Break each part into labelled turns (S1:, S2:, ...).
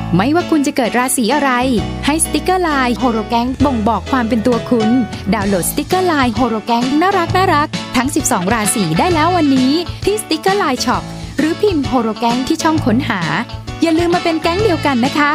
S1: ไม่ว่าคุณจะเกิดราศีอะไรให้สติกเกอร์ไลน์โฮโรแกงบ่งบอกความเป็นตัวคุณดาวน์โหลดสติกเกอร์ไลน์โฮโรแกงน่ารักทั้ง12ราศีได้แล้ววันนี้ที่สติกเกอร์ไลน์ช็อปหรือพิมพ์โฮโรแกงที่ช่องค้นหาอย่าลืมมาเป็นแก๊งเดียวกันนะคะ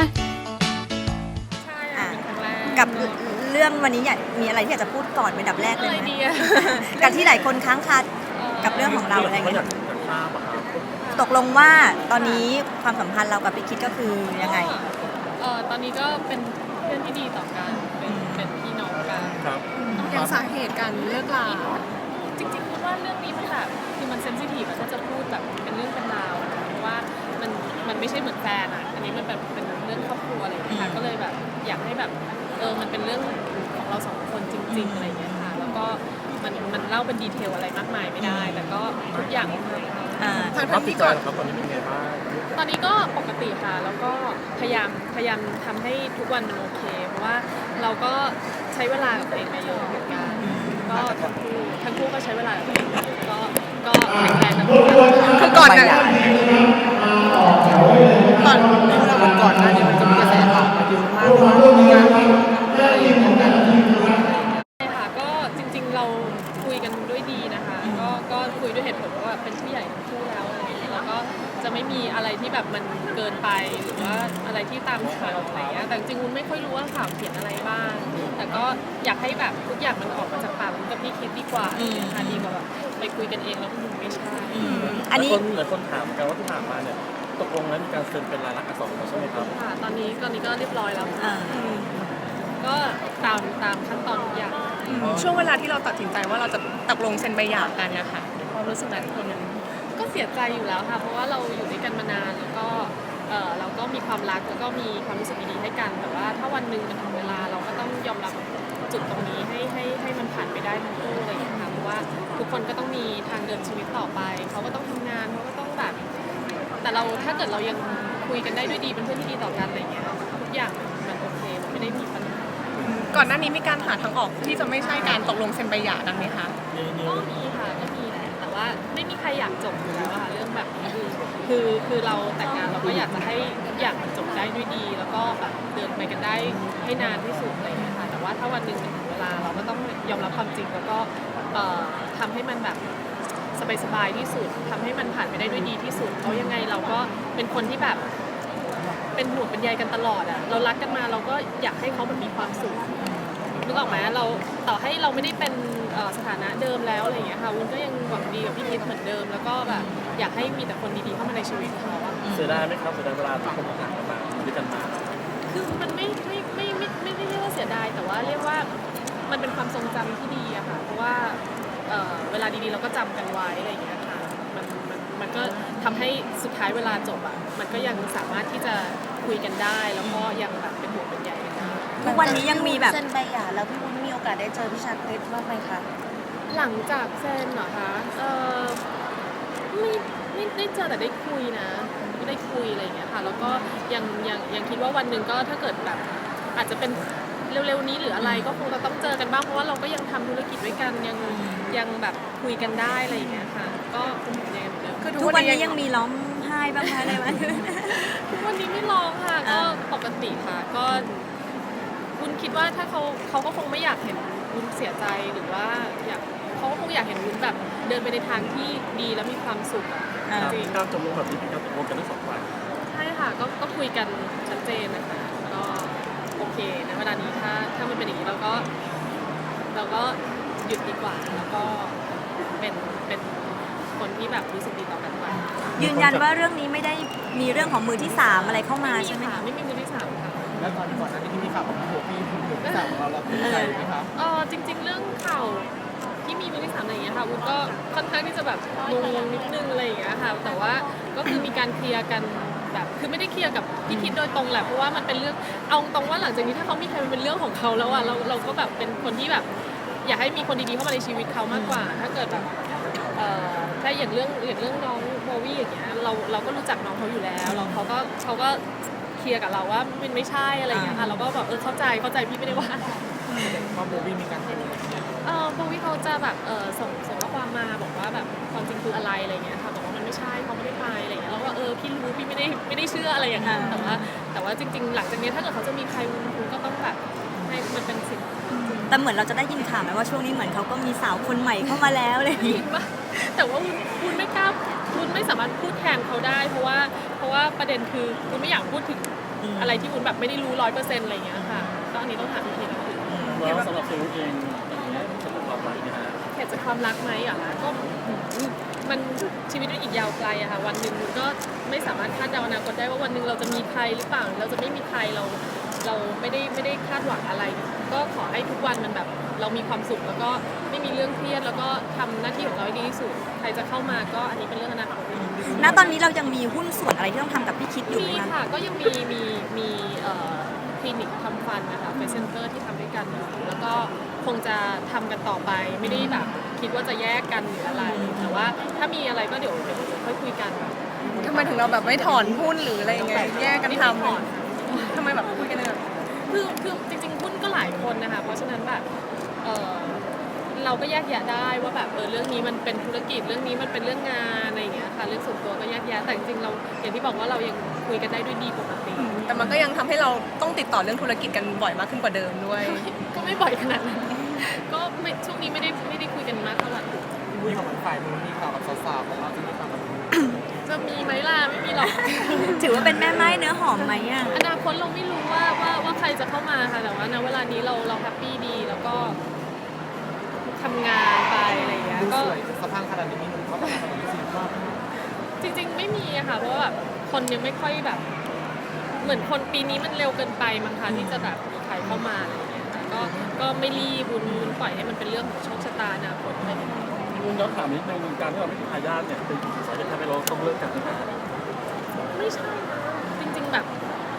S2: กับเรื่องวันนี้อยากมีอะไรที่อยากจะพูดก่อนเป็นอันดับแรกเลยไหมกับที่หลายคนค้างคากับเรื่องของเราอะไรเงี้ยตกลงว่าตอนนี้ความสัมพันธ์เรากับพี่คิดก็คือยังไง
S3: ตอนนี้ก็เป็นเพื่อนที่ดีต่อกันเป็นพี่น้องกัน
S4: ยังสาเหตุการเลิกลา
S3: จริงๆคิดว่าเรื่องนี้มันแบบคือมันเซนซิทีฟถ้าจะพูดแบบเป็นเรื่องเป็นราวเพราะว่ามันไม่ใช่เหมือนแฟนอันนี้มันแบบเป็นเรื่องครอบครัวอะไรอย่างเงี้ยค่ะก็เลยแบบอยากให้แบบมันเป็นเรื่องของเราสองคนจริงๆอะไรอย่างเงี้ยค่ะแล้วก็มันเล่าเป็นดีเทลอะไรมากมายไม่ได้แต่ก็ทุกอย่าง
S4: ทางที่ก่อน
S5: ตอนนี้เป็นไงบ้าง
S3: ตอนนี้ก็ปกติค่ะแล้วก็พยายามทำให้ทุกวันมันโอเคเพราะว่าเราก็ใช้เวลากับตัวเองมาเยอะเหมือนกันก็ทั้งคู่ก็ใช้เวลากับตัวเองก็แข็งแรงนะ
S4: คือก่อนน่ะก่อนหน้านี้มันจะมีกระแสข่าวมาเยอะมากว่ามีการ
S3: ใช่ค่ะก็จริงๆเราคุยกันด้วยดีนะคะก็คุยด้วยเหตุผลว่าเป็นผู้ใหญ่ทั้งคู่แล้วอะไรอย่างเงี้ยแล้วก็จะไม่มีอะไรที่แบบมันเกินไปหรือว่าอะไรที่ตามข่าวอะไรเงี้ยแต่จริงๆวุ้นไม่ค่อยรู้ว่าข่าวเขียนอะไรบ้างแต่ก็อยากให้แบบทุกอย่างมันออกมาจากปากวุ้นกับพี่คิดดีกว่าค่ะดีกว่าแบบไปคุยกันเองแล้วมันไม่ใช่
S5: อันนี้เหมือนคนถามกันว่าที่ผ่านมาเนี่ยตกลงแล้วมีการเซ็นเป็นลายลักษณ์อักษรใช่ไหมครับ
S3: ค่ะตอนนี้ก็เรียบร้อยแล้วก็ตามขั้นตอนทุกอย่าง
S4: ช่วงเวลาที่เราตัดสินใจว่าเราจะตกลงเซ็นใบหย่ากันนะคะความรู้สึกนั้นคนนั้น
S3: ก็เสียใจอยู่แล้วค่ะเพราะว่าเราอยู่ด้วยกันมานานแล้วก็เราก็มีความรักแล้วก็มีความรู้สึกดีๆให้กันแต่ว่าถ้าวันหนึ่งมันถึงเวลาเราก็ต้องยอมรับจุดตรงนี้ให้มันผ่านไปได้ทั้งคู่อะไรอย่างเงี้ยค่ะเพราะว่าทุกคนก็ต้องมีทางเดินชีวิตต่อไปเขาก็ต้องทำงานเขาก็ต้องแบบแต่เราถ้าเกิดเรายังคุยกันได้ด้วยดีเป็นเพื่อนที่ดีต่อกันอะไรเงี้ยทุกอย่างมันโอเคมันไม่ได้มีปัญหา
S4: ก่อนหน้านี้มีการหาทางออกที่จะไม่ใช่การตกลงเซ็นใบหย่านั้นไหมคะ
S3: ก็มีค่ะก็มีแหละแต่ว่าไม่มีใครอยากจบอยู่แล้วค่ะเรื่องแบบนี้คือเราแต่งงานเราก็อยากจะให้ทุกอย่างมันจบได้ด้วยดีแล้วก็แบบเดินไปกันได้ให้นานที่สุดอะไรอย่างเงี้ยค่ะแต่ว่าถ้าวันหนึ่งถึงเวลาเราก็ต้องยอมรับความจริงแล้วก็ทำให้มันแบบสบายๆที่สุดทำให้มันผ่านไปได้ด้วยดีที่สุดเพราะยังไงเราก็เป็นคนที่แบบเป็นห่วงเป็นใยกันตลอดอ่ะเรารักกันมาเราก็อยากให้เขาแบบมีความสุขนึกออกไหมเราต่อให้เราไม่ได้เป็นสถานะเดิมแล้วอะไรอย่างเงี้ยค่ะวุ้นก็ยังหวังดีกับพี่คิดเหมือนเดิมแล้วก็แบบอยากให้มีแต่คนดีๆเข้ามาในชีวิตเขา
S5: เสียดายไหมครับเสียดายเวลาที่คนผ่านกันมาด้วยกันมา
S3: คือมันไม่ได้เรียกว่าเสียดายแต่ว่าเรียกว่ามันเป็นความทรงจำที่ดีอะค่ะเพราะว่าเวลาดีๆเราก็จำกันไว้อะไรอย่างเงี้ยค่ะมันก็ทำให้สุดท้ายเวลาจบอะมันก็ยังสามารถที่จะคุยกันได้แล้วก็ยังแบบเป็นห่วงเป็นใยกันได้
S2: ทุกวันนี้ยังมีแบบ
S6: เซ็นใบหย่าแล้วพี่วุ้นมีโอกาสได้เจอพี่ชาคริสบ้างไหมคะ
S3: หลังจากเซ็นเหรอคะไม่ได้เจอแต่ได้คุยนะไม่ได้คุยอะไรอย่างเงี้ยค่ะแล้วก็ยังคิดว่าวันหนึ่งก็ถ้าเกิดแบบอาจจะเป็นเร็วๆนี้หรืออะไรก็คงจะต้องเจอกันบ้างเพราะว่าเราก็ยังทำธุรกิจด้วยกันยังแบบคุยกันได้อะไรอย่างเงี้ยค่ะก็ยังเหมือนเดิม
S2: ทุกวันนี้ยังมีร้องไห้บ้างไหมอะไรไหม
S3: ทุกวันนี้ไม่ร้องค่ะก็ปกติค่ะก็วุ้นคิดว่าถ้าเขาก็คงไม่อยากเห็นวุ้นเสียใจหรือว่าเขาก็คงอยากเห็นวุ้นแบบเดินไปในทางที่ดีและมีความสุข
S5: จริงการตกลงแบบนี้เป็นการตกลงกันทั้งสองฝ่าย
S3: ใช่ค่ะก็คุยกันชัดเจนนะคะก็โอเคนะเวลานี้ถ้ามันเป็นอย่างนี้เราก็หยุดดีกว่าแล้วก็เป็นคนที่แบบรู้สึกดีต่อกันไป
S2: ยืนยันว่าเรื่องนี้ไม่ได้มีเรื่องของมือที่3อะไรเข้ามาใช่ไหม
S3: คะไม่มีมือที่3ค่ะ
S5: แล้วตอนก่อนหน้านี้ที่มีข่าวของหัวพี่มือที่3ของเราภูมิใจไหมครับ
S3: จริงๆเรื่องข่าวที่มีมือที่3อะไรอย่างเงี้ยค่ะวุ้นก็ค่อนข้างที่จะแบบงงนิดนึงอะไรอย่างเงี้ยค่ะแต่ว่าก็คือมีการเคลียร์กันแบบคือไม่ได้เคลียร์กับพี่คิดโดยตรงแหละเพราะว่ามันเป็นเรื่องเอาตรงว่าหลังจากนี้ถ้าเขามีใครมันเป็นเรื่องของเขาแล้วอ่ะเราก็แบบเป็นคนที่แบบอยากให้มีคนดีๆเข้ามาในชีวิตเขามากกว่าถ้าเกิดแบบถ้าอย่างเรื่องน้องโบวี่อย่างเงี้ยเราก็รู้จักน้องเขาอยู่แล้วเขาก็เคลียร์กับเราว่ามันไม่ใช่อะไรอย่างเงี้ยค่ะเราก็แบบเข้าใจพี่ไม่ได้ว่า
S5: โบวี่มีการคุย
S3: โบวี่เขาจะแบบส่งข้อความมาบอกว่าแบบความจริงคืออะไรอะไรเงี้ยค่ะบอกว่ามันไม่ใช่เขาไม่ได้ไปอะไรเงี้ยแล้วก็พี่รู้พี่ไม่ได้เชื่ออะไรอย่างเงี้ยแต่ว่าแต่ว่าจริงๆหลังจากนี้ถ้าเกิดเขาจะมีใครวุ้นก็ต้องแบบให้มันเป็นสิทธิ์
S2: แต่เหมือนเราจะได้ยินข่าวไหมว่าช่วงนี้เหมือนเขาก็มีสาวคนใหม่เข้ามาแล้วเลย
S3: แต่ว่าวุ้นไม่กล้าวุ้นไม่สามารถพูดแทนเขาได้เพราะว่าประเด็นคือวุ้นไม่อยากพูดถึงอะไรที่วุ้นแบบไม่ได้รู้100%อะไรอย่างเงี้ยค่ะก็อันนี้ต้องถามพี่ทีนะคะ
S5: แล้วสำหรับตัวเองอย่างนี้สำหรับความรักนะฮะ
S3: เหตุจากความรักไหมอะคะก็มันชีวิตมันอีกยาวไกลอะค่ะวันหนึ่งวุ้นก็ไม่สามารถคาดเดาอนาคตได้ว่าวันหนึ่งเราจะมีใครหรือเปล่าเราจะไม่มีใครเราไม่ได้คาดหวังอะไร ก็ขอให้ทุกวันมันแบบเรามีความสุขแล้วก็ไม่มีเรื่องเครียดแล้วก็ทำหน้าที่ของเราให้ดีที่สุดใครจะเข้ามาก็อันนี้เป็นเรื่องอนาคต
S2: ณตอนนี้เรายังมีหุ้นส่วนอะไรที่ต้องทำกับพี่คิดอยู่ไหม
S3: มี
S2: คะ
S3: ค่ะก็ยังมีคลินิกทำฟันนะคะเฟซเซนเตอร์ที่ทำด้วยกันอยู่แล้วก็คงจะทำกันต่อไปไม่ได้แบบคิดว่าจะแยกกันหรืออะไร แต่ว่าถ้ามีอะไรก็เดี๋ยวค่อยคุยกัน
S4: ทำไมถึงเราแบบไม่ถอนหุ้นหรืออะไรอย่างเงี้ยแยกกันท
S3: ไม่ถอน
S4: ำทำไมแบบคุยกันเลย
S3: คือจริงๆหุ้นก็หลายคนนะคะเพราะฉะนั้นแบบเราก็แยกแยะได้ว่าแบบเรื่องนี้มันเป็นธุรกิจเรื่องนี้มันเป็นเรื่องงานอะไรอย่างเงี้ยค่ะเรื่องส่วนตัวก็แยกแยะแต่จริงๆเราอย่างที่บอกว่าเรายังคุยกันได้ด้วยดีปกติ
S4: แต่มันก็ยังทำให้เราต้องติดต่อเรื่องธุรกิจกันบ่อยมากขึ้นกว่าเดิมด้วย
S3: ก็ไม่บ่อยขนาดนั้นก็ไม่ช่วงนี้ไม่ได้คุยกันมากเท่าไหร่
S5: คุยกับฝ่ายนู้นมีข่าวกับสาวๆของเราจะมีข่าวกับ
S3: จะมีไหมล่ะไม่มีหรอก
S2: ถือว่าเป็นแม่ไม้เนื้อหอมไหมอ่ะ
S3: อนาคตเราไม่รู้ว่าใครจะเข้ามาค่ะแต่ว่าณเวลานี้เราแฮปปี้ดีแล้วก็ทำงานไปอะไรอย่างเงี้ยก็
S5: สภาพขนาดนี้มีหนุ่มเขาประมาณ30 รอบ
S3: จริงๆไม่มีอะค่ะเพราะว่าแบบคนยังไม่ค่อยแบบ เหมือนคนปีนี้มันเร็วเกินไปมั้งคะที่จะแบบมีใครเข้ามาอะไรอย่างเงี้ยค่ะก็ไม่รีบวุ้นปล่อยให้มันเป็นเรื่องของโชคชะตาอนาคตไป
S5: คุณย้อนถามนิดนึงการที่เราไม่มีทายาทเนี่ยเป็นสาเหตุทำให้เราต้องเลิกกันไหมครับ
S3: ไม่ใช่นะจริงๆแบบ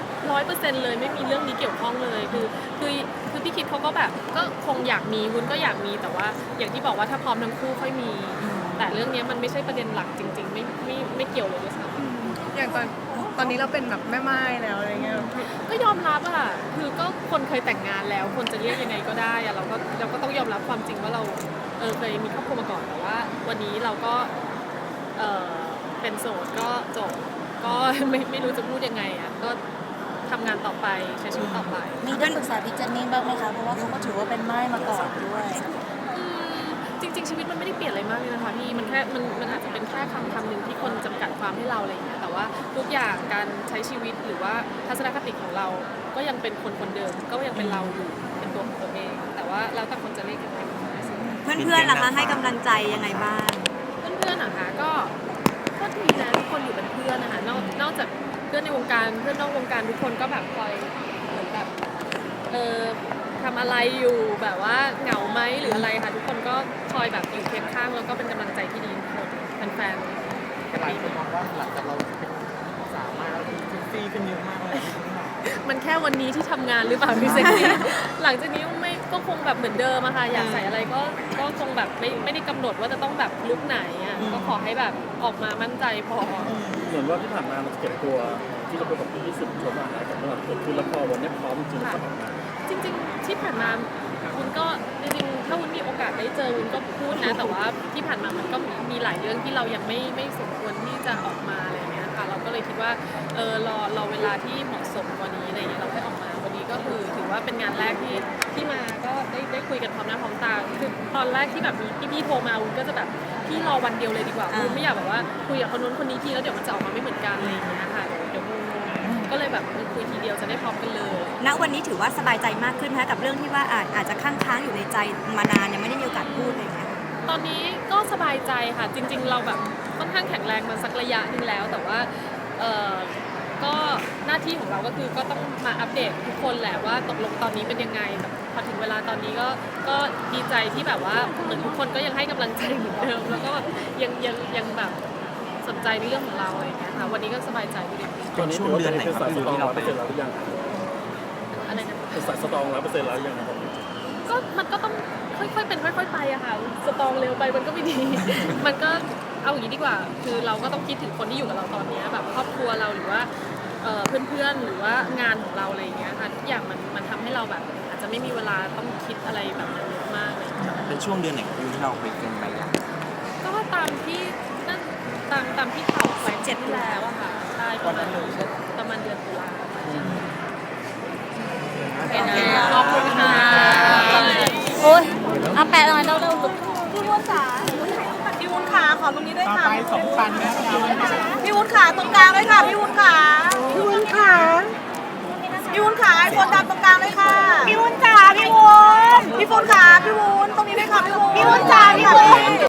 S3: 100%เลยไม่มีเรื่องนี้เกี่ยวข้องเลยคือพี่คิดเขาก็แบบก็คงอยากมีวุ้นก็อยากมีแต่ว่าอย่างที่บอกว่าถ้าพร้อมทั้งคู่ค่อยมี แต่เรื่องนี้มันไม่ใช่ประเด็นหลักจริงๆไม่เกี่ยวเลยด้วยซ้ำ
S4: อย่างตอนนี้เราเป็นแบบแม่ไม้แล้วอะไรเงี้ย
S3: ก็ยอมรับอะคือก็คนเคยแต่งงานแล้วคนจะเรียกยังไงก็ได้อะเราก็ต้องยอมรับความจริงว่าเราเคยมีครอบครัวมาก่อนแต่ว่าวันนี้เราก็เป็นโสดก็จบก็ไม่รู้จะพูดยังไงอะก็ทำงานต่อไปใช้ชีวิตต่อไป
S6: มีได้ปรึกษาพี่เจนนี่บ้างไหมคะ เพราะว่าเขาก็ถือว่าเป็นไม้มาก่อนด้วย
S3: จริงๆชีวิตมันไม่ได้เปลี่ยนอะไรมากเลยนะคะพี่มันแค่มันอาจจะเป็นแค่คำหนึ่งที่คนจำกัดความให้เราอะไรอย่างเงี้ยแต่ว่าทุกอย่างการใช้ชีวิตหรือว่าทัศนคติของเราก็ยังเป็นคนเดิมก็ยังเป็นเราอยู่เป็นตัวของตัวเอง แต่ว่าแล้วแต่คนจะเรียกยังไง
S2: เพื่อนๆล่ะคะให้กำลังใจยังไงบ้าง
S3: เพื่อนๆนะคะก็ดีนะทุกคนอยู่เป็นเพื่อนนะคะนอกจากเพื่อนในวงการเพื่อนนอกวงการทุกคนก็แบบคอยเหมือนแบบทำอะไรอยู่แบบว่าเหงาไหมหรืออะไรค่ะทุกคนก็คอยแบบอยู่เคียงข้างแล้วก็เป็นกำลังใจที่ดีทุกคนแฟนๆ
S5: หลายคนมองว่าหลังจากเราเป็นสาวมากเซ็กซี่ขึ้นเยอะมากเลย
S3: มันแค่วันนี้ที่ทำงานหรือเปล่าพี่เซ็กซี่ หลังจากนี้ไม่ก็คงแบบเหมือนเดิมอะค่ะอยากใส่อะไรก็คงแบบไม่ได้กำหนดว่าจะต้องแบบลุคไหนอะก็ขอให้แบบออกมามั่นใจพอ
S5: เหมือนว่าที่ผ่านมามันเก็บตัวที่เราเป็นแบบที่สุดชมอาหารกับเราเกิดขึ้นแล้วพอวันนี้พร้อมจริงๆก็ออกมา
S3: จริงๆที่ผ่านมาวุ้นก็จริงๆถ้าวุ้นมีโอกาสได้เจอวุ้นก็พูดนะแต่ว่าที่ผ่านมามันก็มีหลายเรื่องที่เรายังไม่สมควรที่จะออกมาอะไรอย่างเงี้ยค่ะเราก็เลยคิดว่ารอเวลาที่เหมาะสมกว่านี้อะไรอย่างเงี้ยเราค่อยออกมาวันนี้ก็คือถือว่าเป็นงานแรกที่มาก็ได้คุยกันพร้อมหน้าพร้อมตาคือตอนแรกที่แบบมีพี่โทรมาวุ้นก็จะแบบพี่รอวันเดียวเลยดีกว่าวุ้นไม่อยากแบบว่าคุยกับคนนู้นคนนี้ทีแล้วเดี๋ยวมันจะออกมาไม่เหมือนกันอะไรอย่างเงี้ยค่ะเดี๋ยวงงก็เลยแบบคุยทีเดียวจะได้พร้อมกันเลย
S2: ณวันนี้ถือว่าสบายใจมากขึ้นนะคะกับเรื่องที่ว่าอาจจะค้างอยู่ในใจมานานยังไม่ได้มีโอกาสพูดอะไรอย่างเงี้ย
S3: ตอนนี้ก็สบายใจค่ะจริงๆเราแบบค่อนข้างแข็งแรงมาสักระยะหนึงแล้วแต่ว่าก็หน้าที่ของเราก็คือก็ต้องมาอัปเดตทุกคนแหละว่าตกลงตอนนี้เป็นยังไงแต่พอถึงเวลาตอนนี้ก็ดีใจที่แบบว่าเหมือนทุกคนก็ยังให้กำลังใจเหมือนเดิมแล้วก็แบบยังแบบสนใจในเรื่องของเราอะไรอย่างเงี้ยค่ะวันนี้ก็สบายใจดี
S5: ตอนนี้ช่วงเดือนไหนครับที่เราไป100%แล้วหรือยัง
S3: อะไรนะ
S5: เป็นสายสตรอง100%แล้วหรือยังครับ
S3: ก็มันก็ต้องค่อยๆเป็นค่อยๆไปอะค่ะสตรองเร็วไปมันก็ไม่ดี มันก็เอาอย่างนี้ดีกว่า คือเราก็ต้องคิดถึงคนที่อยู่กับเราตอนนี้แบบครอบครัวเราหรือว่าเพื่อนๆหรือว่างานของเราอะไรอย่างเงี้ยค่ะทุกอย่างมันทำให้เราแบบอาจจะไม่มีเวลาต้องคิดอะไรแบบนั้นเยอะมากเลย
S7: เป็นช่วงเดือนไหนของที่เราไปเป็นไปอย่าง
S3: ก็ตามที่นั่นตามที่ข่าวไป7ที่แล้วอะค่ะใช่ประมาณประมาณเดือนตุลา
S6: ขอบคุณค่ะโอ้ยเอาแปะหน่อยเร็วๆพี่วุ้นขาพี่วุ้นขาขอตรงนี้ด้วยค่ะพี่วุ้นขาตรงกลางด้วยค่ะพี่วุ้นขาพี่วุ้นขาพี่วุ้นขาไอโฟนดำตรงกลางด้วยค่ะพี่วุ้นจ๋าพี่วุ้นพี่วุ้นขาพี่วุ้นตรงนี้ด้วยค่ะพี่วุ้นจ๋าพี่วุ้น